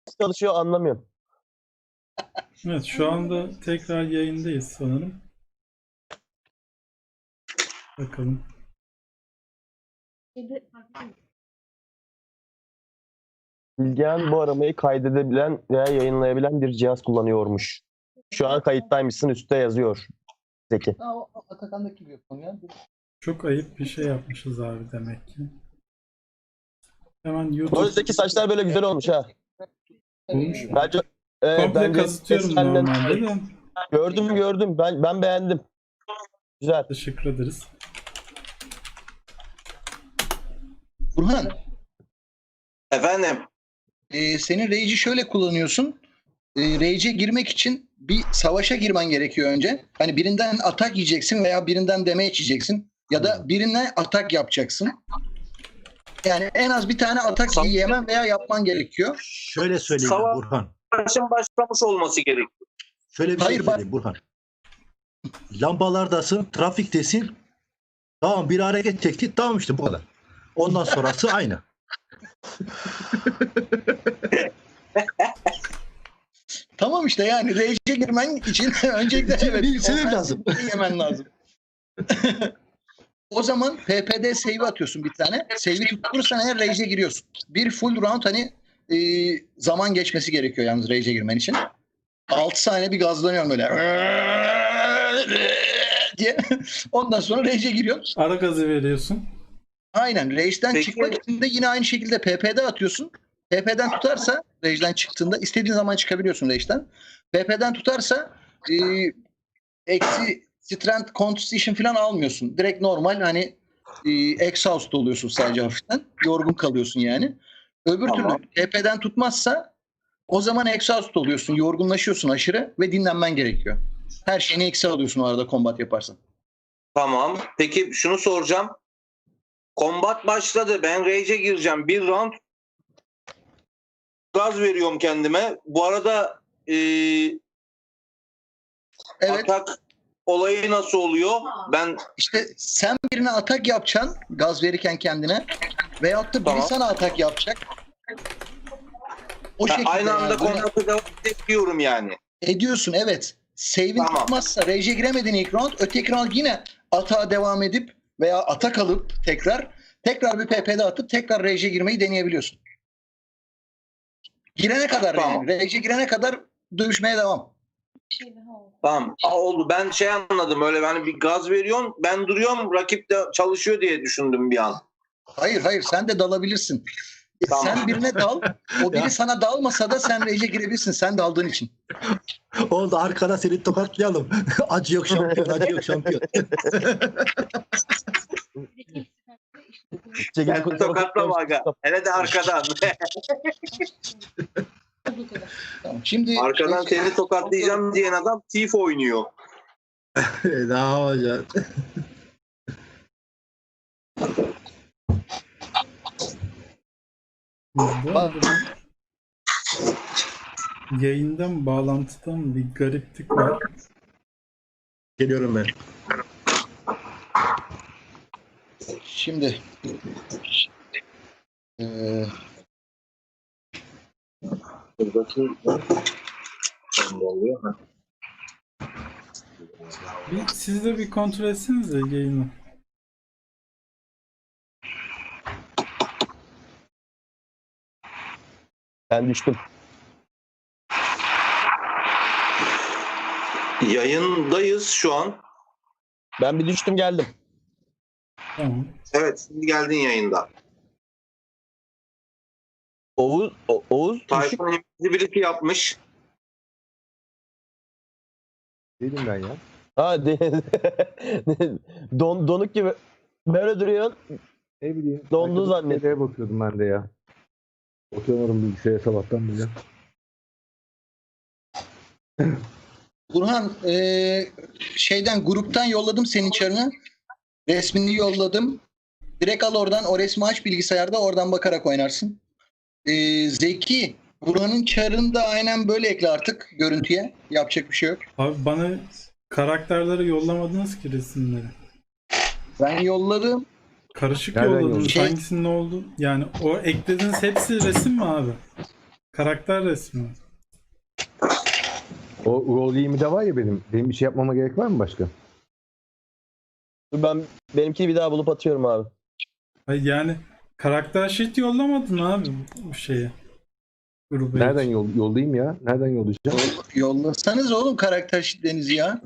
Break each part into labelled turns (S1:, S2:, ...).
S1: çalışıyor anlamıyorum.
S2: Evet, şu anda tekrar yayındayız sanırım. Bakalım.
S1: Bilgehan bu aramayı kaydedebilen veya yayınlayabilen bir cihaz kullanıyormuş. Şu an kayıttaymışsın, üstte yazıyor Zeki.
S3: O Atakan'daki gibi yapalım ya.
S2: Çok ayıp bir şey yapmışız abi demek ki. Hemen
S1: Bu
S2: YouTube
S1: Zeki saçlar böyle güzel olmuş ha.
S2: olmuş.
S1: Bence
S2: Komple
S1: bence
S2: kazıtıyorum
S1: senden-
S2: normalde de.
S1: Gördüm. Ben beğendim. Güzel.
S2: Teşekkür ederiz.
S3: Burhan,
S4: Efendim,
S3: senin Rage'i şöyle kullanıyorsun. Rage'e girmek için bir savaşa girmen gerekiyor önce. Hani birinden atak yiyeceksin veya birinden damage yiyeceksin. Ya da birine atak yapacaksın. Yani en az bir tane atak yemen veya yapman gerekiyor.
S5: Şöyle söyleyeyim
S4: Savaş-
S5: Burhan.
S4: savaşın başlamış olması gerekiyor.
S5: Şöyle bir
S3: Hayır,
S5: şey
S3: bak-
S5: söyleyeyim Burhan. Lambalardasın, trafiktesin. Tamam, bir hareket çekti. Tamam, işte bu kadar. Ondan sonrası aynı.
S3: Tamam işte, yani Rage'e girmen için öncelikle evet,
S5: Bir sebep
S3: offensive
S5: lazım.
S3: bir şey yemen lazım. O zaman PPD save atıyorsun bir tane. Save'i tutturursan eğer Rage'e giriyorsun. Bir full round hani zaman geçmesi gerekiyor yalnız Rage'e girmen için. 6 saniye bir gazlanıyorum böyle diye. Ondan sonra Rage'e giriyorsun.
S2: Ara gazı veriyorsun.
S3: Aynen. Rage'den
S4: Peki-
S3: çıkmak için de yine aynı şekilde PP'de atıyorsun. PP'den tutarsa Rage'den çıktığında istediğin zaman çıkabiliyorsun Rage'den. PP'den tutarsa eksi strength constitution falan almıyorsun. Direkt normal hani exhaust oluyorsun sadece hafiften. Yorgun kalıyorsun yani. Öbür
S4: Tamam.
S3: türlü PP'den tutmazsa o zaman exhaust oluyorsun. Yorgunlaşıyorsun aşırı ve dinlenmen gerekiyor. Her şeyini eksi alıyorsun o arada combat yaparsan.
S4: Tamam. Peki şunu soracağım. Kombat başladı. Ben Rage'e gireceğim. Bir round gaz veriyorum kendime. Bu arada
S3: Evet.
S4: atak olayı nasıl oluyor? Ben
S3: İşte sen birine atak yapacaksın gaz verirken kendine veyahut da biri
S4: Tamam.
S3: sana atak yapacak. O şekilde
S4: aynı anda
S3: yani. Bunu
S4: kombatı devam ediyorum yani.
S3: ediyorsun, evet. Save'in
S4: Tamam.
S3: tutmazsa Rage'e giremedin ilk round. Öteki round yine atağa devam edip veya atak alıp tekrar bir PP'de atıp tekrar Rage'e girmeyi deneyebiliyorsun. Girene kadar
S4: Tamam.
S3: yani. Rage'e girene kadar dövüşmeye devam.
S4: Tamam. Oldu. Ben şey anladım. Öyle hani bir gaz veriyorsun. Ben duruyorum. Rakip de çalışıyor diye düşündüm bir an.
S3: Hayır, sen de dalabilirsin.
S4: Tamam.
S3: Sen birine dal. O biri
S5: Ya.
S3: sana dalmasa da sen Rage'e girebilirsin. Sen daldığın için.
S5: Oldu, arkada seni tokatlayalım. Acı yok şampiyon, acı yok şampiyon.
S4: Ben tokatlama aga. Hele de arkadan.
S3: Tamam. Şimdi
S4: Arkadan seni tokatlayacağım diyen adam Thief oynuyor.
S5: Ne yapacağız?
S2: Bu arada ben yayından bağlantıdan bir gariplik var.
S5: Geliyorum ben.
S3: Şimdi
S2: Siz de bir kontrol etsenize yayını.
S1: Ben düştüm.
S4: Yayındayız şu an.
S1: Ben bir düştüm geldim.
S2: Tamam.
S4: Evet, şimdi geldin yayında.
S1: Oğuz düşük.
S4: Tayfun birisi yapmış.
S6: Değilim ben ya.
S1: Ha, donuk gibi. Böyle duruyorsun.
S6: Ne bileyim.
S1: Dondu
S6: arkadaş
S1: zannet.
S6: nereye bakıyordum ben de ya. Oturuyorum bilgisayara sabahtan beri.
S3: Burhan şeyden gruptan yolladım senin çarını. Resmini yolladım. Direkt al oradan, o resmi aç bilgisayarda, oradan bakarak oynarsın. Zeki, Burhan'ın çarını da aynen böyle ekle artık görüntüye. Yapacak bir şey yok.
S2: Abi bana karakterleri yollamadınız ki resimleri.
S3: Ben yolladım.
S2: Karışık
S6: Nereden
S2: yolladınız.
S3: yolladın?
S2: Hangisinin ne oldu? Yani o eklediğiniz hepsi resim mi abi? Karakter resmi.
S6: O rol 20'de var ya benim. Benim bir şey yapmama gerek var mı başka?
S1: Dur ben benimkini bir daha bulup atıyorum abi.
S2: Hayır, yani karakter sheet yollamadın abi bu şeye. Gruba
S6: Nereden
S2: hiç.
S6: yollayayım ya? Nereden yollayacağım?
S3: Yollasanız oğlum karakter sheetlerinizi ya.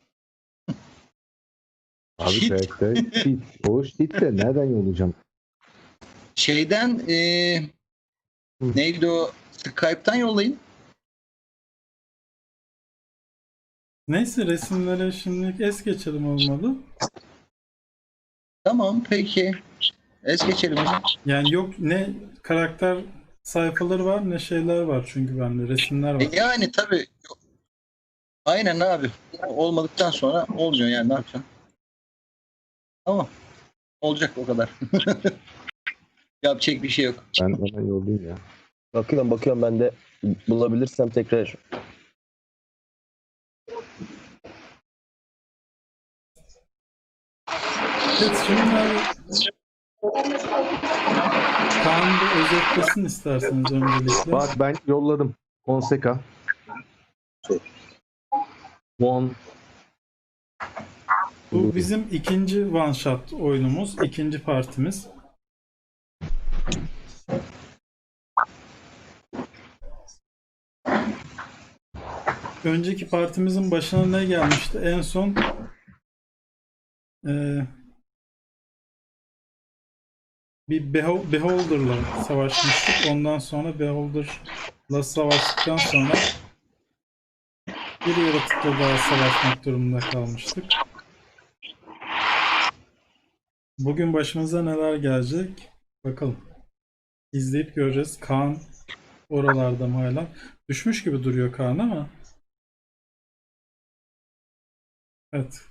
S6: Abi
S3: Sheet.
S6: karakter sheet. O sheet de nereden yollayacağım?
S3: Şeyden neydi o? Skype'tan yollayın.
S2: Neyse, resimlere şimdilik es geçelim olmalı.
S3: Tamam peki. Es geçelim hocam.
S2: Yani yok, ne karakter sayfaları var ne şeyler var, çünkü bende resimler var.
S3: Yani tabii. Aynen abi. Olmadıktan sonra olmuyor yani, ne yapacaksın? Tamam. Olacak o kadar. Yapacak bir şey yok.
S6: Ben hemen yollayayım ya.
S1: Bakıyorum ben de bulabilirsem tekrar.
S2: Evet, şimdi abi Kaan bir özetlesin isterseniz öncelikle.
S6: Bak ben yolladım. Fonseca. One.
S2: Bu bizim ikinci one shot oyunumuz, ikinci partimiz. Önceki partimizin başına ne gelmişti? En son bir Beholder'la savaşmıştık. Ondan sonra Beholder'la savaştıktan sonra bir yaratıkla daha savaşmak durumunda kalmıştık. Bugün başımıza neler gelecek? Bakalım. İzleyip göreceğiz. Kaan oralarda mı hala? Düşmüş gibi duruyor Kaan ama. Evet.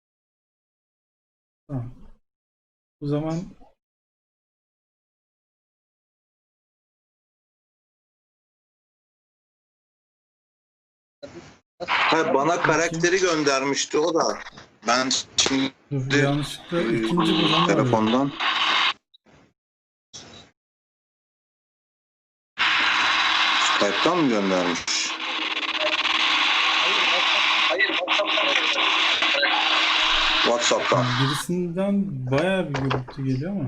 S2: Tamam. O zaman
S4: Ha, bana karakteri göndermişti o da. Ben şimdi
S2: dur, yanlışlıkla ikinci bölümü arıyorum.
S4: telefondan. Skype'tan mı göndermiş? WhatsApp'tan.
S2: Birisinden bayağı bir gürültü geliyor ama.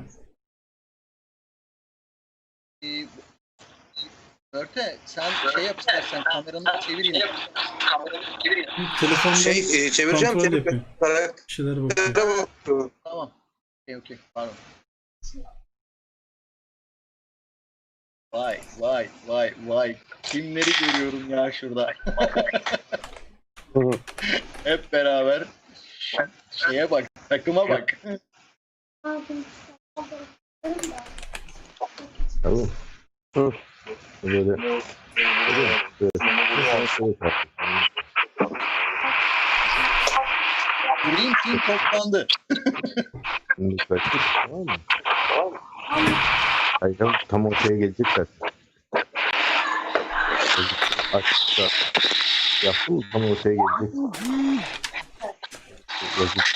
S3: Örte sen şey yap istersen, kameranı çevir yine.
S2: Telefonda
S4: Çevireceğim.
S2: kontrol yapıyor.
S4: Karaktere
S2: Bir şeylere bakıyor.
S4: bakıyorum.
S3: Tamam. Okey. Pardon. Vay. Kimleri görüyorum ya şurada. Hep beraber şeye bak, takıma bak.
S6: Tamam.
S1: Hı.
S6: Böyle. Evet.
S3: Green Team toplandı.
S6: Şimdi kaçtık, tamam mı? Hayır canım, tam ortaya gelecek zaten. Açıkta yaptım mı tam ortaya gelecek. Yazık.